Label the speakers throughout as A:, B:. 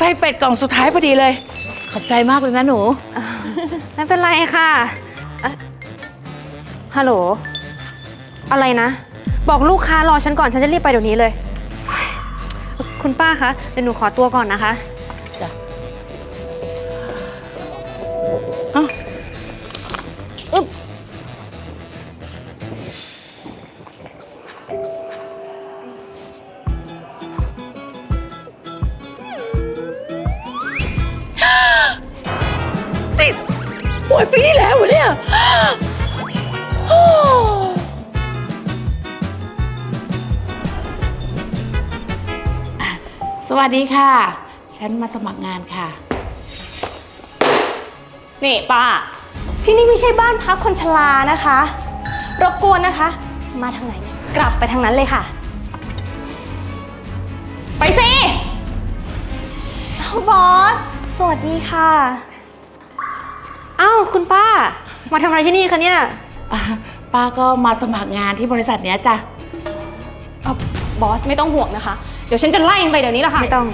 A: ข่เป็ดกล่องสุดท้ายพอดีเลยขอบใจมากเลยนะหนู
B: ไม่เป็นไรค่ะฮัลโหลอะไรนะบอกลูกค้ารอฉันก่อนฉันจะรีบไปเดี๋ยวนี้เลยคุณป้าคะเดี๋ยวหนูขอตัวก่อนนะคะ
A: จ้ะอ้าวอึ๊บนี่ป่วยปีที่แล้วเหรอเนี่ยสวัสดีค่ะ ฉันมาสมัครงานค่ะ
C: นี่ป้าที่นี่ไม่ใช่บ้านพักคนชรานะคะรบกวนนะคะ มาทางไหนเนี่ยกลับไปทางนั้นเลยค่ะ ไปสิบอสสวัสดีค่ะ
B: อ้าวคุณป้ามาทำอะไรที่นี่คะเนี่ย
A: ป้าก็มาสมัครงานที่บริษัทเนี้ยจ้ะ
C: บอสไม่ต้องห่วงนะคะเดี๋ยวฉันจะไล่มันไปเดี๋ยวนี้แหละค่ะ
B: ไม่ต้อง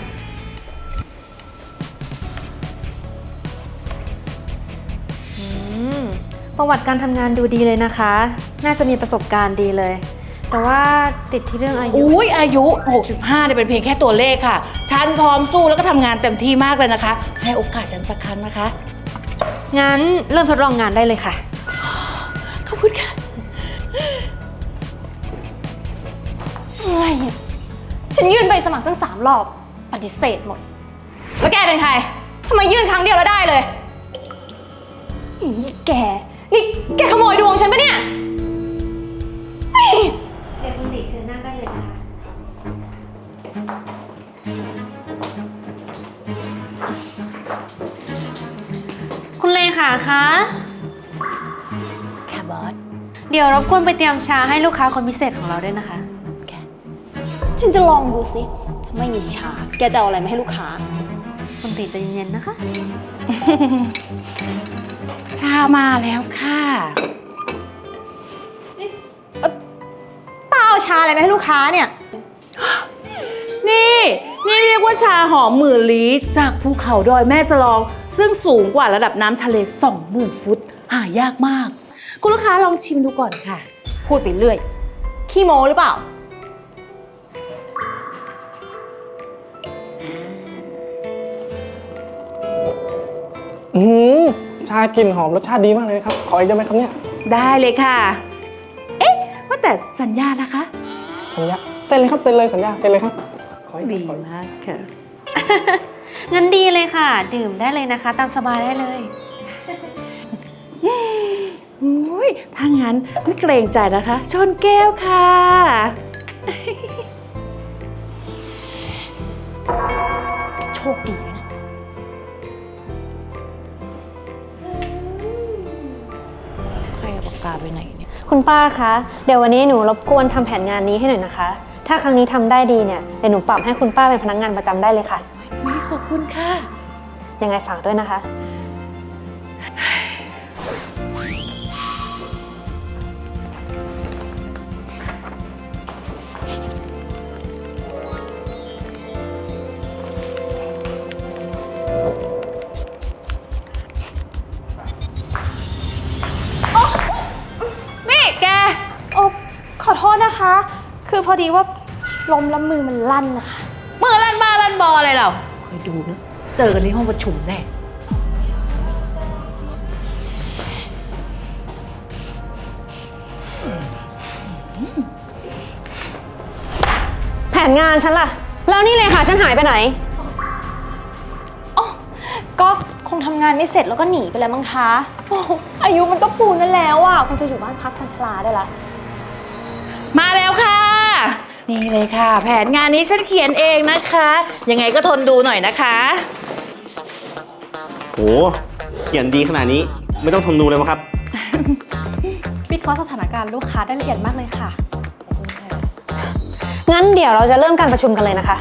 B: ประวัติการทำงานดูดีเลยนะคะ น่าจะมีประสบการณ์ดีเลย แต่ว่าติดที่เรื่องอายุ
A: อุ้ยอายุ 65เนี่ยเป็นเพียงแค่ตัวเลขค่ะ ฉันพร้อมสู้แล้วก็ทำงานเต็มที่มากเลยนะคะ ให้โอกาสฉันสักครั้งนะคะ
B: งั้นเริ่มทดลองงานได้เลยค่ะ
A: ขอบคุณค่ะ
C: อะไรเนี่ยฉันยื่นใบสมัครตั้ง3 รอบปฏิเสธหมดแล้วแกเป็นใครทำไมยื่นครั้งเดียวแล้วได้เลยแกนี่แกขโมยดวงฉันปะเนี่ย
B: เดี๋ยวคุณติเชิญนั่งได้เลยนะคะคุณเลขาคะ
A: ค่ะบอส
B: เดี๋ยวรบกวนไปเตรียมชาให้ลูกค้าคนพิเศษของเราด้วยนะคะ
C: ฉันจะลองดูสิถ้าไม่มีชาแกจะเอาอะไรมาให้ลูกค้า
B: คุณติใจเย็นๆนะคะ
A: ชามาแล้วค่ะ
C: ป้าเอาชาอะไรมาให้ลูกค้าเนี่ย
A: นี่เรียกว่าชาหอมหมื่นลี้จากภูเขาดอยแม่สลอง ซึ่งสูงกว่าระดับน้ำทะเล 20,000 ฟุต หายากมาก คุณลูกค้าลองชิมดูก่อนค่ะ
C: พูดไปเรื่อยขี้โม้หรือเปล่า
D: ชากลิ่นหอมรสชาติดีมากเลยครับ ขออีกได้ไหมครับเนี่ย
A: ได้เลยค่ะ เอ๊ะ ว่าแต่สัญญานะคะ
D: สัญญาเซ็นเลยครับเซ็นเลยสัญญาเซ็นเลยครับขออีก
A: ดี
D: ขออีก
A: มากค่ะ
B: งั้นดีเลยค่ะ ดื่มได้เลยนะคะ ตามสบายได้เลย
A: อุ้ยถ้างั้นไม่เกรงใจนะคะ ชนแก้วค่ะ
C: โชคดีนะ
A: ใครเอาปากกาไปไหนเนี่ย
B: คุณป้าคะ เดี๋ยววันนี้หนูรบกวนทำแผนงานนี้ให้หน่อยนะคะ ถ้าครั้งนี้ทำได้ดีเนี่ย เดี๋ยวหนูปรับให้คุณป้าเป็นพนักงานประจำได้เลยค่ะ
A: ขอบคุณค่ะ
B: ยังไงฝากด้วยนะคะ
C: นี่แกโอ้ขอโทษนะคะ คือพอดีว่าลมแล้วมือมันลั่นนะคะ
A: มือลั่นบ้าลั่นบออะไรเราคอยดูนะ เจอกันที่ห้องประชุมแน่
B: แผนงานฉันล่ะ แล้วนี่เลยค่ะ ฉันหายไปไหน
C: อ๋อก็คงทำงานไม่เสร็จแล้วก็หนีไปแล้วมั้งคะโอ้อายุมันก็ปูนนั่นแล้วอ่ะคงจะอยู่บ้านพักคนชราได้ละ
A: มาแล้วค่ะ นี่เลยค่ะ แผนงานนี้ฉันเขียนเองนะคะ ยังไงก็ทนดูหน่อยนะคะ
E: โห เขียนดีขนาดนี้ไม่ต้องทนดูเลยมั้งครับ
C: วิเคราะห์สถานการณ์ลูกค้าได้ละเอียดมากเลยค่ะ
B: งั้นเดี๋ยวเราจะเริ่มการประชุมกันเลยนะคะ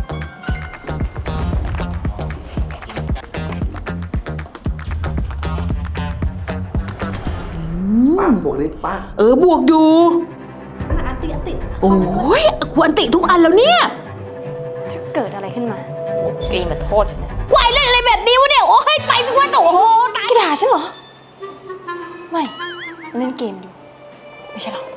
D: ป้าบวกเลยป้า
A: บวกอยู่โอ้ยควรติทุกอันแล้วเนี่ย
C: เกิดอะไรขึ้นมาแกมาโทษฉันนะ
A: ควายเล่นอะไรแบบนี้วะเนี่ย โอ้ยไปสิวะโอ้โหตาย
C: แกด่าฉันเหรอ ไม่เล่นเกมอยู่ ไม่ใช่หรอ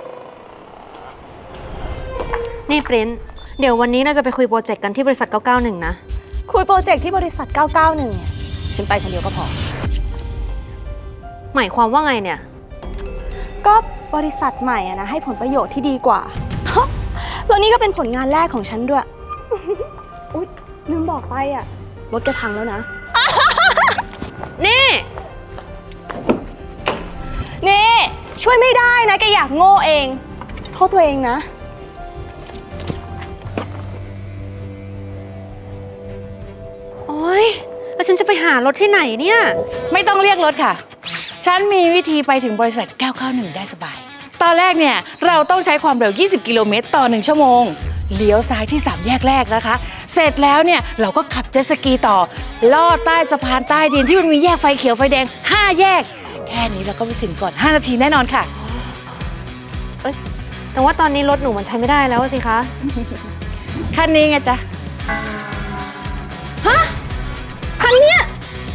B: นี่ปริ้นเดี๋ยววันนี้เราจะไปคุยโปรเจกต์กันที่บริษัท 991 นะ
C: คุยโปรเจกต์ที่บริษัท 991 เนี่ย ฉันไปคนเดียวก็พอ
B: หมายความว่าไงเนี่ย
C: ก็บริษัทใหม่อะนะให้ผลประโยชน์ที่ดีกว่า แล้วนี่ก็เป็นผลงานแรกของฉันด้วย อุ๊ยลืมบอกไปอะรถแกพังแล้วนะ
B: นี่
C: นี่ช่วยไม่ได้นะแกอยากโง่เอง โทษตัวเองนะ
B: โอ๊ย แล้วฉันจะไปหารถที่ไหนเนี่ย
A: ไม่ต้องเรียกรถค่ะ ฉันมีวิธีไปถึงบริษัท 991 ได้สบาย ตอนแรกเนี่ยเราต้องใช้ความเร็ว 20 กิโลเมตรต่อ 1 ชั่วโมง เลี้ยวซ้ายที่ 3 แยกแรกนะคะ เสร็จแล้วเนี่ยเราก็ขับเจ็ตสกีต่อ ลอดใต้สะพานใต้ดินที่มันมีแยกไฟเขียวไฟแดง 5 แยก แค่นี้เราก็ไปถึงก่อน 5 นาทีแน่นอนค่ะ
B: แต่ว่าตอนนี้รถหนูมันใช้ไม่ได้แล้วสิคะ
A: คันนี้ไงจ๊ะ
B: คันเนี้ย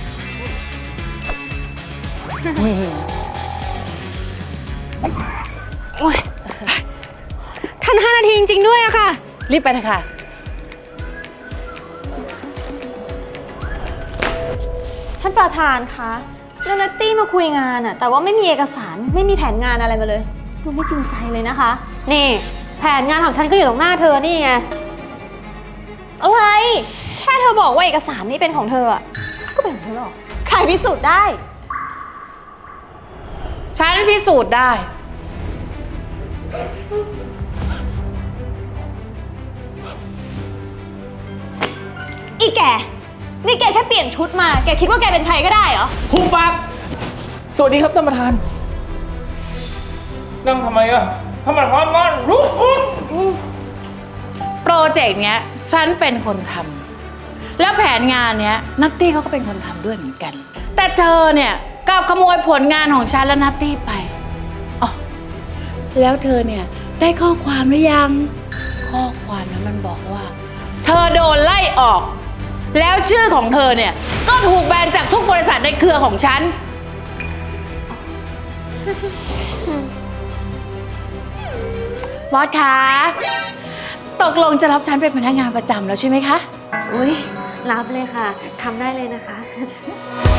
B: โอ๊ยทัน5 นาทีจริงๆด้วยอะค่ะ
A: รีบไปนะคะ
C: ท่านประธานคะแล้วนัตตี้มาคุยงานอะแต่ว่าไม่มีเอกสารไม่มีแผนงานอะไรมาเลยดูไม่จริงใจเลยนะคะ
B: นี่ แผนงานของฉันก็อยู่ตรงหน้าเธอนี่ไง
C: อะไร แค่เธอบอกว่าเอกสารนี้เป็นของเธออะก็เป็นของเธอหรอใครพิสูจน์ได้
A: ฉันพิสูจน์ได้
C: อีแก นี่แกแค่เปลี่ยนชุดมา แกคิดว่าแกเป็นใครก็ได้เหรอ
D: หุบปากสวัสดีครับท่านประธาน นั่งทำไมอะท่านประธานมาลุกขึ้น
A: โปรเจกต์เนี้ยฉันเป็นคนทำแล้วแผนงานเนี้ยนัตตี้เขาก็เป็นคนทำด้วยเหมือนกัน แต่เธอเนี่ยกลับขโมยผลงานของฉันและนัตตี้ไปอ๋อแล้วเธอเนี่ยได้ข้อความหรือยัง ข้อความนั้นมันบอกว่า เธอโดนไล่ออก แล้วชื่อของเธอเนี่ยก็ถูกแบนจากทุกบริษัทในเครือของฉัน บอสคะตกลงจะรับฉันเป็นพนักงานประจำแล้วใช่ไหมคะ
B: อุ้ยรับเลยค่ะ ทำได้เลยนะคะ